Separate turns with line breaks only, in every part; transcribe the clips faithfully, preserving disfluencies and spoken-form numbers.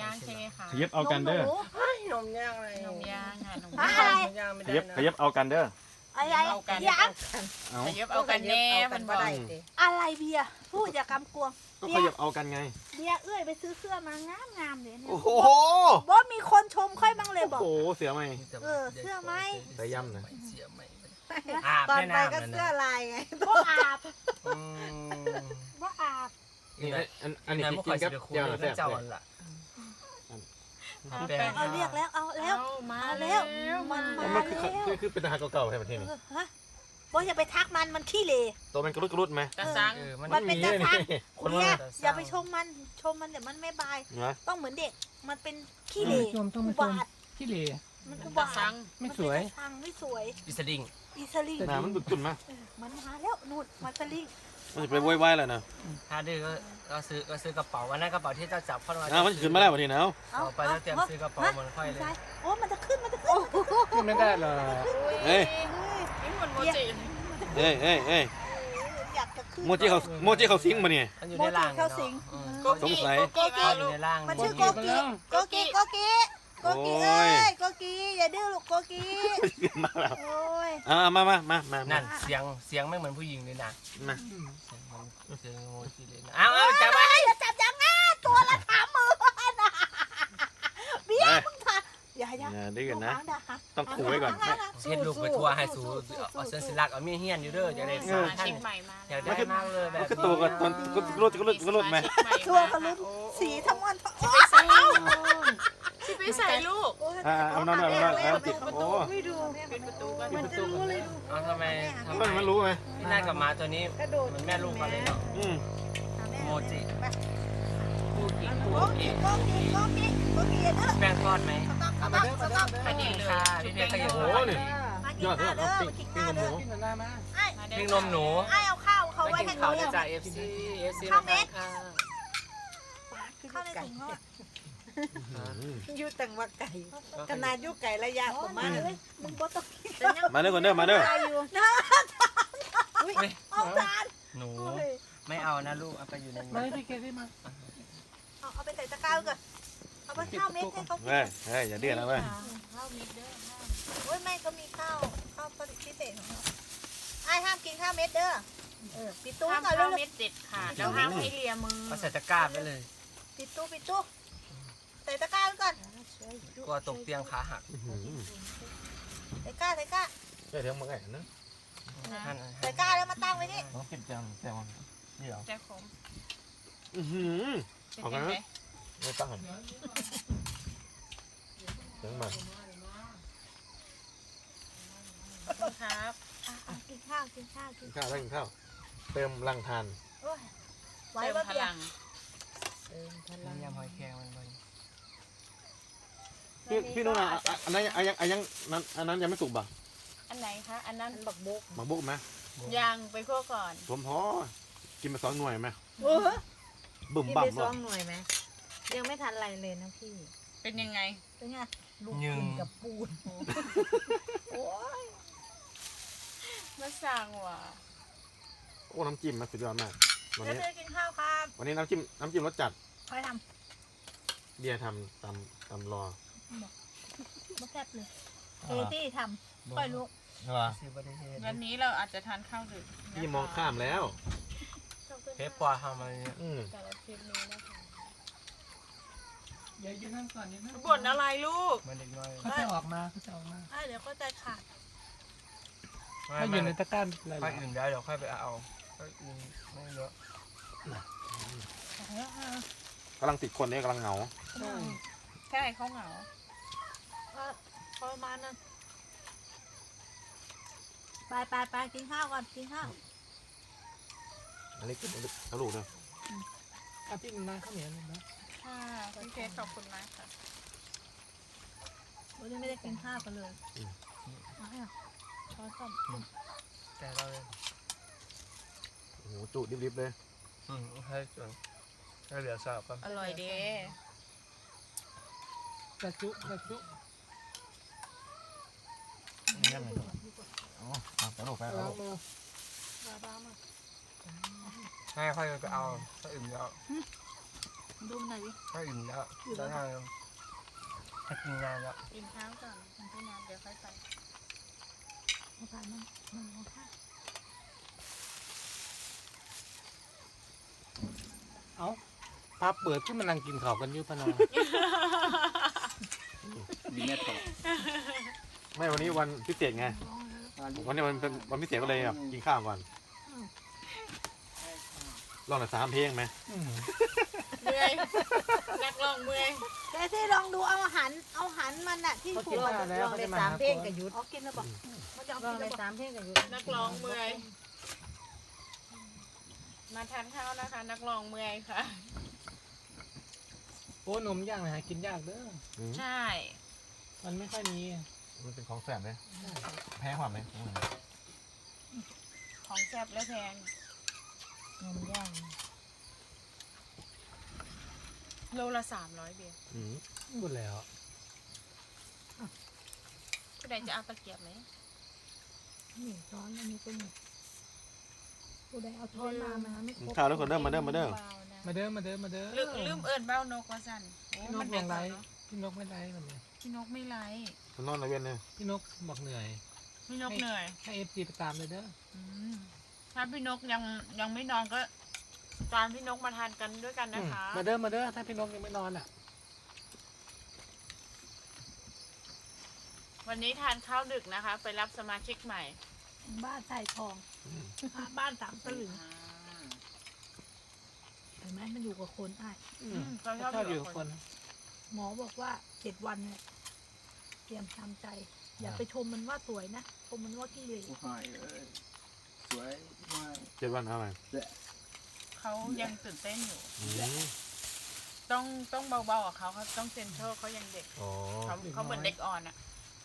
ย่างใช่ไหมคะ
ขยับเอากันเด้อ
นมย่างอะไร
นมย่างค่ะนม
น
ย่าง
มย่างไม่
ข
ได้
ยับ
นะ
ขยับเอากันเด้อ
อะไร
เอากัน
ยัง
เอา
ขยับเอากันแน่มันบอก
อะไรเบียร์พูดอย่ากำกวง
ก็
เบี
ข
ย
ยั
ร์
บเอากันไง
เบียร์เอื้อยไปซื้อเสื้อมางามงามๆเลยเนี่ย
โอ้โห
ว่ามีคนชมค่อยบ้างเลยบอก
โอ้โหเสียไหม
เออเสื้อไหม
ใส่ย่ำนะ
เสียไหม
ตอนไปก็เสื้อลายไง
บ่อาบ
อืม
บ่อาบ
นี่อันอันนี้
นาย
กิ
พวกคอย
นกับ
จะคุย
ยา
เรื่อง
แซ่บ
เจ้า
เล
อั
ย
นละ
เอาแป้ง
เอาเรียกแล้วเอาแล้ว
เอามา
เอาแล้
แล้ว ว
มัน
มัน
มา
คือ
แล้ว
คือคือเป็นทหารเก่าๆใช่ไหมที่นี่
เออฮะบ่อย่าไปทักมันมันขี้เหร่
ตัวมันกระรุดกระรุดไหม
กระซัง
เออมัน
มันเป็น
มี
ตา
เลย
ทัก
นี่คน
เนี่
ว่าย
อย่าไปชมมันชมมันเดี๋ยวมันไม่บาย
นะ
ต้องเหมือนเด็กมันเป็นขี้เหร่
ชมต้อง
อุ
มาชม
บาท
ขี้เหร่
มัน
เป็
อุ
นก
บา
ระ
ท
ซัง
ไม่สวย
นเป็นตาทังไม่สวย
อิสดิง
อีสลิง
หน้ามันบึกตุ่นมา
เออมันมาแล้วนู่นมาสลิง
มันจะไปว้ายๆแล้วนะ
ถ้าดื้อก็ก็ซื้อก็ซื้อกระเป๋าวันนั้นกระเป๋าที่เจ้าจับเข้ามา
อ่ามันขึ้นมาแล้ววันนี้นะ
เอาไปแล้วเตรียมซื้อกระเป๋าเหมือนค่อยเลย
โอ้มันจะขึ้นมันจะขึ้น
ขึ้นไม่ได้หรอก
เอ้ย
นี่เหมือนโมจิ
เอ้ยเอ้ยเอ้ย
อยากจะขึ้น
โมจิเขาโมจิเขาซิงมาเนี่ย
มันอยู่ในร่าง
เข้าสิง
โก
สง
กิ
สัย
โกกิ
เขา
มา
อยู่
ลูก
ในร่าง
มันชื่อโกกิโกกิโกกิโกกิ
โอ้
เอ้
ย
ยโกกิอย่าดื้อลูกโกกิ
ขึ้นมาแล้ว
โอ้ย
อ่ามามามามา
นั่นเสียงเสียงไม่เหมือนผู้หญิงเลยนะ
มา
เสียงมันเสียงโมจิเลยนะเอาเอาจับไว้
อย่าจับจังง่าตัวละสามหมื่นนะเบี้ยมึงทำอย่าอย่า
อย่าดื้อกันนะ
ลูกหางด่า
ต้องขู่ไว้ก่อน
เช็ดลูกไปทั่วให้สูเอาเสื้อสิลักเอาเมียเฮียนอยู่เด้อจะได้
ส
สา
มา
ท่าน
ชิกใหม่มา
อยาก
แล้ว
ได้มากเลยแบบ
มันก็ตัวกันตอนก็กระรุดกระรุดกระรุดไหม
ตัวกระลุ้นสีทั้งวันทั้งโอ้ย
ชิไปใส่ลูก
อ่าเอานอนนอนนอนเอาติดโอ้
ไม่ดู
เป็นประตูกัน
มันจะรู้เลยดู
เอาทำไมทำ
มัน
ไม
มันรู้ไหม
พี่นากับหมาตัวนี้
กระโดด
เหมือนแม่ลูกกันเลยเนาะ
อืม
โมจิ
ไป
คู่กิน
โก
คู่
กิ
กิน
โกกิโกกิโกกิอย่าดื้อ
แป้งทอดไหม
สต๊อกสต๊อกสต๊อก
อันนี้เลย
ค่ะพี่เพชรก็ยัง
โอ้นี่
มากิ
ย
น
อด
ข้าว
เลย
เด้อ
ปิ้ง
มากิน
ปิ้ง
ข้าว
ห
เด้
มู
อ
กินหน้ามา
ไอ้
ปิ้งนมหนู
ไอ้เอาข้าวเขา
ไม่
ไว้
กิ
ให้
น
เขา
ข้าว
เนี่
เนี่ย ยจาก เอฟ ซี เอฟซี
ข้าวเม็ด
ค่ะ
ข้าวในถุงทอด
ยูตังว่าไก่ขนาดยูไก่ระยะประมาณ
เลยมึงบ่ต้องกิน
มาเด้อคนเด้อมาเด้อ
นะเอาจาน
หนูไม่เอานะลูกเอาไปอยู่ใน
ไม่
นี้
พี่เกได้มา
เอาเอาไปใส่ตะกร้าก่อนเอาไปข้าวเม็ดให้เขากิน
เฮ้ยเฮ้ยอย่าดื้อนะเว้ย
ข้าวมิดเด้อข้าว
โอ้ยไม่ก็มีข้าวข้าวผลิตพิเศษของเขาไอ้ห้ามกินข้าวเม็ดเด้อเออปิดตู้
ข้าว
ก่อนเร็
ข้าว วเม็ดเด็ดขาดแล้วห้ามให้เลียมือ
ก็ใส่ตะกร้าไปเลย
ปิดตู้ปิดตู้ใส่ตะกร้าก่อน
กลัวตกเตียงขาหัก
ใส่กร้าใส่กร้า
ใช่เดี๋ยวมาไงนะ
ท่าน
ใส่กร้าแล้วมาตั้งไว้นี่
น้องกินจังแซวนี่เหรอ
แจ๊คผม
อือหือ
เป็นยังไง
ไม่ตั้งเดี๋ยวมา
ครับ
อ่ะอ่ะกินข้าวกินข้าวกิ
กิ
น
นข้าวได้กินข้าวเติมรังทาน
โอ้ยไว้
เติม
ว่า
พ
เบีย
ลั
ร์
ง
นี่ยำหอยแครงมันบน
พี่พี่นุ่นอ่ะอันนั้นอันยังอันยังนั้นอันนั้นยังไม่สุกบ่ะ
อันไหนคะอันนั้นบักบุก
มาบุกไหม
ยางไปคั่วก่อน
ผมพอกินมาสองหน่วยไหม
โอ้ย
บุ่ม
กิน
บั่
ไป
ม
ส
บ่
องหน่วยไหมยังไม่ทันไรเลยนะพี่
เป็นยังไง
เป็นไง
ลูกกินกับปูน
โอ้ย
มาสั่งว่ะ
โอ้น้ำจิ้มมันสุดยอดมากวัน
เดี๋ยว
นี้
เธอกินข้าวครับ
วันนี้น้ำจิ้มน้ำจิ้มรสจัด
คอยท
เบียร์ทำตำตำรอ
ำมาแซ่บเลยเอที่ทำค่อยลุก
ซื้อประเทศ
วันนี้เราอาจจะทานข้าวดึก
พี่มองข้ามแล้ว
เพชรปลาทำอะไรเนี่ย
อืม
แต่ละคลิปนี้นะคะ
อย่ายืนนั่งก่อนยืนนั่ง
บ่นอะไรลูก
มันเด็กน้อย
เขาจะออกมาเขาจะออกมา
อ่ะเดี๋ยวก็ใจขาด
ถ้าอยู่ในตะกร้าอะไร
ค่อยอื่นได้เดี๋ยวค่อยไปเอาค่อยอื่นไม่เยอะ
กำลังติดคนเนี่ยกำลังเหงา
ใช่เขาเหงา
ก็พอประมาณนั้นไปไปไปกินข้าวก่อนกินข้าว
อันนี้กินอันนี้เอาลูกเลย
อ่ะพี่นานข้าวเหนียวเลยนะ
ค่ะพี่เพชรขอบคุณมากค่ะ
วันนี้ไม่ได้กินข้าวกันเลยเอาให้อ่ะช้อนส้อม
แต่เราเลย
โอ้โหจุดิบๆเลย
อืมให้ส่วนให้เหลือสลับกัน
อร่อยดี
กระจุกระจุ
นี่ไงอ๋อไปลูกไป
ล้า
ลู
ง
ก
มือ
บ้าบ้ามา
ให้ค่อยไปเอาค่อยอื่นเดี๋ยว
ค
ดูหน่อยดิ
ก็อิ่มแล้วแล้วทางให้กินงานแล้ว
กินข้าวก่อนพี่น้ำเดี๋ยวค่อยไป
เอาผ่านมันมันเอาค่ะ
เอ้าพาเปิดที่มันนั่งกินข้าวกันอยู่ปะนอง
ดีแม่ต่อ
ไม่วันนี้วันพิเศษไงวันนี้มันเป็นวันพิเศษก็เลยแบบกินข้าวก่อนลองหน่อยสามเพลงไหม
เมื่อยนักร้องเมื่อย
เดี๋ยวที่ลองดูเอาหันเอาหันมันอะที่
เขา
ผู
กิน
ก
ข้าวแล้วเขาจะมาหาคน
อ๋อกินแล้วบอกเขาจะเอา
ลอง
กิน
ใน
แล้วบอก
สามเพลงกันอยู่
นักร้องเมื่อยมาทานข้าวนะคะ นักร้องเมื่อยค่ะ
โอ้นมย่างนะหากินยากเด้อ
อืม
ใช่
มันไม่ค่อยมี
มันเป็นของแสบเลยแพ้ความไหม
ของแซ่บและแพง
นมย่าง
โลละสามร้อยเบียร์
อืม
หมดแล้ว
ผู้ใดจะเอาตะเกียบไหม
นี่ช้อนอันนี้เป็นผู้ใดเอาช้อนมามาไม่ครบ
ข้าวแล้วคนเด้อมาเด้อมาเด้อ
บๆนะ
มาเด้อมาเด้อมาเด้อ
ลืมลืมเอิญเบ้านกว่าสั่นโอ้
พี่น
มั
ก
น
ยั
เด็ก
งไร
เนาะ
พี่นกไม่ไรมันเลย
พี่นกไม่ไร
คนนอนในเวียนเลย
พี่นกบอกเหนื่อย
พี่นกเหนื่อย
ให้เอฟซีไปตามเลยเด้อ
อืมถ้าพี่นกยังยังไม่นอนก็ตามพี่นกมาทานกันด้วยกันนะคะ
มาเด้อมาเด้อถ้าพี่นกยังไม่นอนอ่ะ
วันนี้ทานข้าวดึกนะคะ ไปรับสมาชิกใหม่
บ้านใส่ทองบ้านสามตลึงเห็นไหมมันอยู่กับคนอ้าย
อืม
เขา
ชอบอยู่กับคน
หมอบอกว่าเจ็ดวันเนี่ยเตรียมทำใจ อย่าไปชมมันว่าสวยนะชมมันว่าขี้เหร่
โอ้ยเอ้ยสวยมาก
เจ็ดวันเอาไหม
เขายังตื่นเต้นอยู่
อืม
ต้องต้องเบาๆกับเขาเขาต้องเซนเตอร์เขายังเด็ก
อ๋อ
เขาเขาเหมือนเด็กอ่อนอ่ะ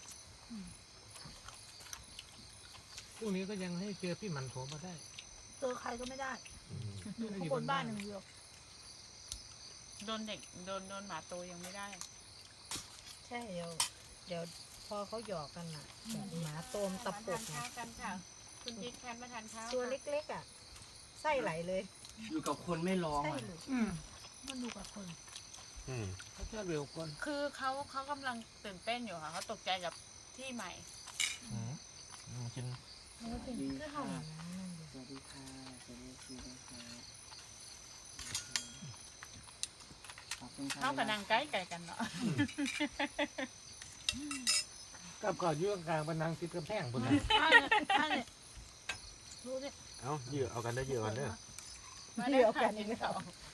พรุ่งนี้ก็ยังให้เจอพี่หมันโถมาได้
เจอใครก็ไม่ได้
อืม
อยู่ข้างบนบ้านอย่างเดียว
โดนเด็กโดนโดนหมาโตยังไม่ได้
ใช่เดี๋ยวเดี๋ยวพอเขาหยอกกันอ่ะหมาโตมตะปบ
มาทานข้าวกันค่ะ คุณจิ๊กแคนมาทานข้าว
ตัว
ค่ะ
เล็กๆอ่ะไส้ไหลเลย
อยู่กับคนไม่ร้อง
ไส้
อ่ะ
หลุด
อืม
มันอยู่กับคน
อืม
เขาชอบเร็วคน
คือเขาเขากำลังตื่นเต้นอยู่ค่ะเขาตกใจกับที่ใหม่
อืมอืมกิน
มันเป็นคือเห่า
สวัสดีค่ะสวัสดีค่ะขอบคุณค่ะ
เขากับนางใกล้ไก่กันเนาะ
กับก่อนอยู่กลางๆเป็นนางติดกระแพงบนนั้น
ใช่ใช่ดูดิ
เอาเหยื่อเอากันได้เหยื่อกันเด้อ
มาได้ค่ะกินข้าว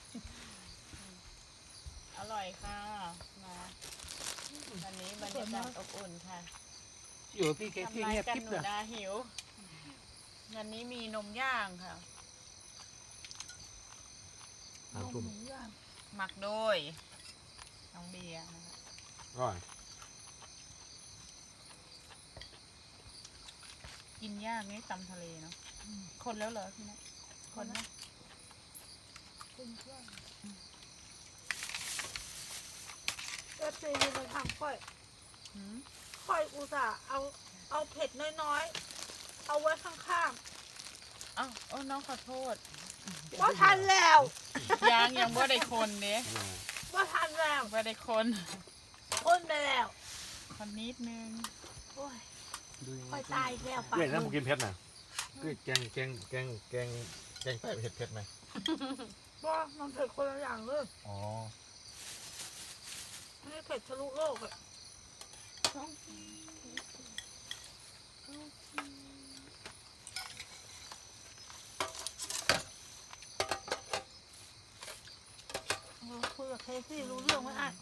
อร่อยค่ะมาวันนี้บรรยากาศอบอุ่นค่ะ
อยู่กับพี่แกที่
ทำลาย
เงียบ
กัน
กิ๊บ
หนู
เลย
นาหิว วันนี้มีนมย่างค่ะ
สามทุ่ม
หมูย่าง
หมักโดยน้องเบียร์นะคะ
อร่อย
กินย่างนี่ตำทะเลเนาะคนแล้วเหรอพี่นะคนนะ
เป็นเครื่องเอฟซีมีมาทำค่อย
หืม
ค่อยอุตส่าห์เอาเอาเผ็ดน้อยๆ เอาไว้ข้าง
เอ้าโอ้น้องขอโทษ
ๆว่าทันแล้ว
ยังยังว่าได้คนเนี้ย
อร่อย
ว่าทันแล้ว
ว่าได้คน
อ้นไปแล้ว
คนนิดนึง
โอ้ย
ดู
ค่อยตายอีกแล้วปาก
เกลือนะผมกินเผ็ดนะเกลือแกงแกงแกงแกงแกงใต้เผ็ดเผ็ดไหม
ว่ามันเผ็ดคนละอย่างเลย
อ๋อ
ไม่เผ็ดทะลุโลกอะเราคุยกับเคซี่รู้เรื่องไหมอ่ะ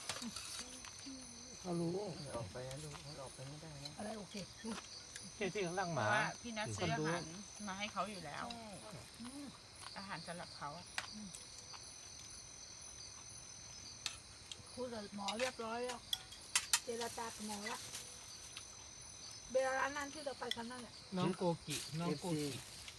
เขารู้
ออกไปนะดูออกไปไม่ได้นะ
อะไรโอเค
เคที่ข้างล่างห
เพ
มา
ราะว่าพี่นัทซื้ออา
คนรู้
หารมาให้เขาอยู่แล้ว อาหารสำหรับเขาอะ
คุยกับหมอเรียบร้อยแล้วเจรจากับหมอแล้วเบลร้านนั้นที่เราไปกันนั่นแหละ
น้องโกกิน้องโกกิ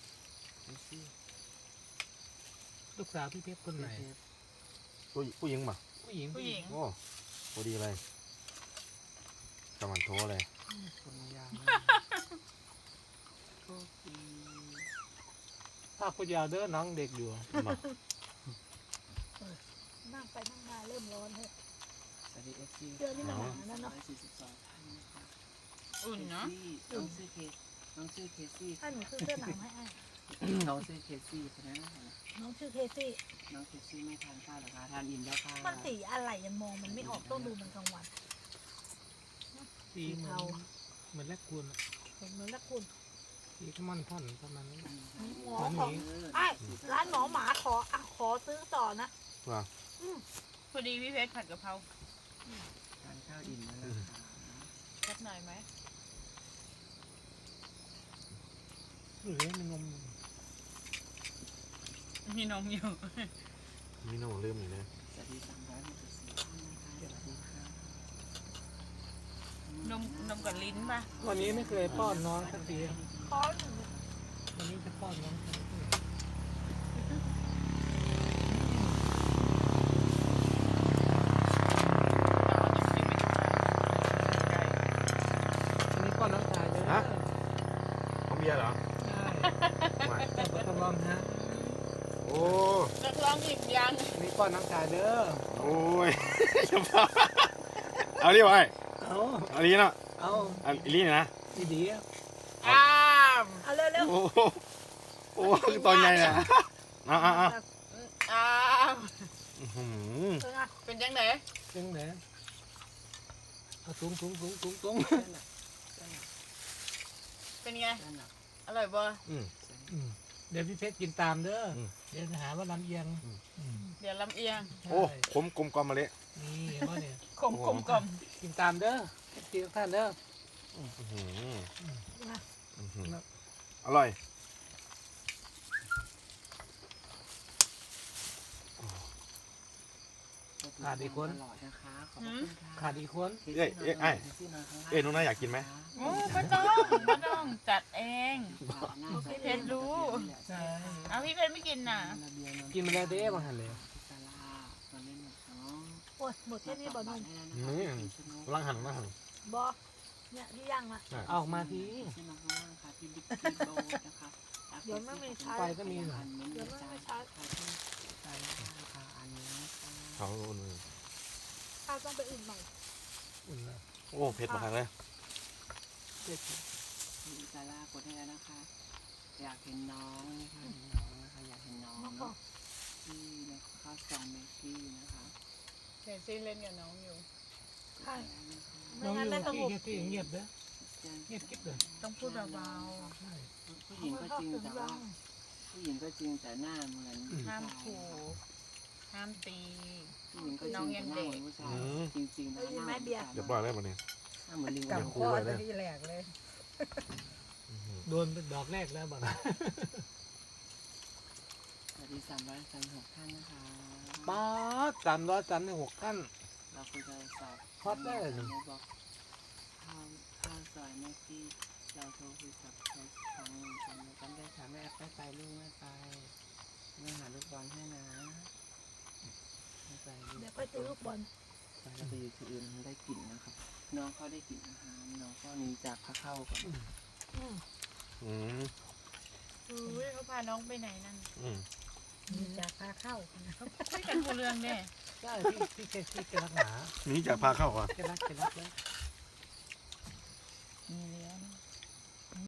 ลูกสาวพี่เพชรคนไหน
ผู้ผู้หญิงป่ะ
ผู้หญิง
ผู้หญิง
โอ้พอดีเลยกำลังโทรเลย
คนยาว
ภาพพยาวเด้อน้องเด็กอยู่
มา
นั่งไปนั่งมาเริ่มร้อนเลย
สวัสดีเอฟซี
เดือนนี้มันหนาวนั่นเนาะ
สี่สิบสองท่านนะคะ
อุ่นเนาะ
น้องชื่อเคสน้องชื่อเคซี่
ถ้าหนูซื้อเสื้อหนาวให้ไอ้
น้องชื่อเคซี่คนนั้น
น้องชื่อเคซี่
น้องเคซี่ไม่ทานข้าวหรอคะทานอิ่มแล้วค่ะ
มันสีอะไรยังมองมันไม่ออกต้องดูมันกลางวัน
สีเหมือนเหมือนแรกคูณ
เห็นเหมือนละคุณ
สีขมันท่อนประมาณนี้
หมอขอไอ้ร้านหมอหมาขออ่ะขอซื้อต่อนะ
ว่า
พอดีพี่เพชรผัดกะเพรา
ทานข้าวอิ่มแล้วนะคะ
สักหน่อยไหม
หรือมันนม
มีนมอยู่
มีน้องลืมอีกนะ
สวัสดีสามร้อยหกสิบสี่ท่านนะคะสวัสดีค่ะ
นมนมกับลิ้นป่ะ
วันนี้ไม่เคยป้อนน้องสักที
ขอหนู
วันนี้จะป้อนน้องสักทีวันนี้ป้อนน้องชายเลย
ฮะเขาเบียร์เหรอ
ใช่
ไม่
แต่บทลองฮะ
โอ้
นักร้องหยิบยัง
วันนี้ป้อนน้องชายเด้อ
โอ้ย อย่าพาเอาดิวะไอ้
เอา
เอาดีเนาะ
เอา
เอาอีลี่นะ
ดีดี
อ้าม
เอาเร็วเร็ว
โอ้โหโอ้คือตอนใหญ่นะอ่ะอ่ะอ่ะ
อ้าม
อื้อหือ
เออไง
เป็นยังไง
ๆจังเลยเอาตุ้งตุ้งตุ้งตุ้งตุ้ง
เป็นไง
นั่นแหละ
อร่อยบ่
อืม
อืมเดี๋ยวพี่เพชรกินตามเด้ออ
ม
เดี๋ยวจะหาว่าลำเอียง
อืม
อืม
เดี๋ยวลำเอียง
โอ้
ใช่
ขมกลมกล่อมมาเลย
นี่เห็นว่าเนี่ย
ขมกลมกล่อม
กินตามเด้อกินท่านเด้อ
อื้อหือ
มา
อื้อหืออร่อย
ขาดอีกคน
ตลอดนะคะขอบคุณค่ะ
ขาดอีกคน
เอ้ยเอ้ยไอ้เอ้ยน้องน่าอยากกินไหม
โอ้ไม่ต้องไม่ต้องจัดเอง พี่เพชรรู้
ใช่
เอาพี่เพชรไม่กินน่ะ
กินมาแล้วเด้บางหันเลย
โอ้ยหมดแค่นี้บ่นม
นี่ร่างหันร่างหัน
บอเนี่ยที่ย่างละ
เอาออกมาที
เดี๋ยวไม่มีใช้
ไฟก็มีเหรอ
เดี๋ยวไม่มีใช้
เขาอุ่น
ข้าวต้องไปอื่นหน่อย
อุ่นนะ
โอ้เผ็ดมากเลย
เจ็ด
คุณอิซาร่ากดให้แล้วนะคะ อยากเห็นน้องนะคะเห็นน้องนะคะอยากเห็นน้อง
น้องบอ
เนาะ
ก
ที่นะคะซองเมกกี้นะคะ
เดี๋ยวซีเล่นกับน้องอยู่
ใช่ ไม่
น้อง
งั้น
อยู่
ไม่สง
ที่
บ
ที่เงียบเด้อเงียบกิ๊บเลย
ต้องพูดเบา
ใช่
ผู้หญิงก็จริงแต่ว่าผู้หญิงก็จริงแต่หน้าเหมือน
ๆห้ามขู่ห้ามตี
ผู้หญิงก็จริงแต่หน้าเหมือนผู้ชายจริงๆนะหน้าเหมือนผู้ชาย
เดี๋ยวปล่อยได้ปะเนี่ย
หน้าเหมือนลิง
กับพ่อจะที่แหลก
โดนเป็นดอกแรกแล้วบ้าง
สวัสดีสามร้อยสามสิบหกท่านนะคะ
ป้าสามร้อยสามสิบหกขั้น
เราคุยกันสอบ
ฮอตได้เลย
บอกข้าวข้าวซอยแม่กี้เราโทรคุยกับเขาครั้งหนึ่งจำจำได้ค่ะแม่ไม่ไปลูกไม่ไปแม่หาลูกบอลให้นะไม่ไปลูก
เดี๋ยวค่อยซื้อลูกบอล
ไปแล้วไปอยู่ที่อื่นได้กลิ่นนะครับ น้องเขาได้กลิ่นอาหารน้องก็หนีจากข้าเข้าก่อน
อืม
อืม
อุ้ยเขาพาน้องไปไหนนั่น
อืม
มีจากพาเข้า
คุยกันผู้เรื่องเนี่ย
ใช่พี่พี่แค่พี่แกรักหนา
นี่จะพาเข้าอ่ะ
แกรักแกรักเลย
เ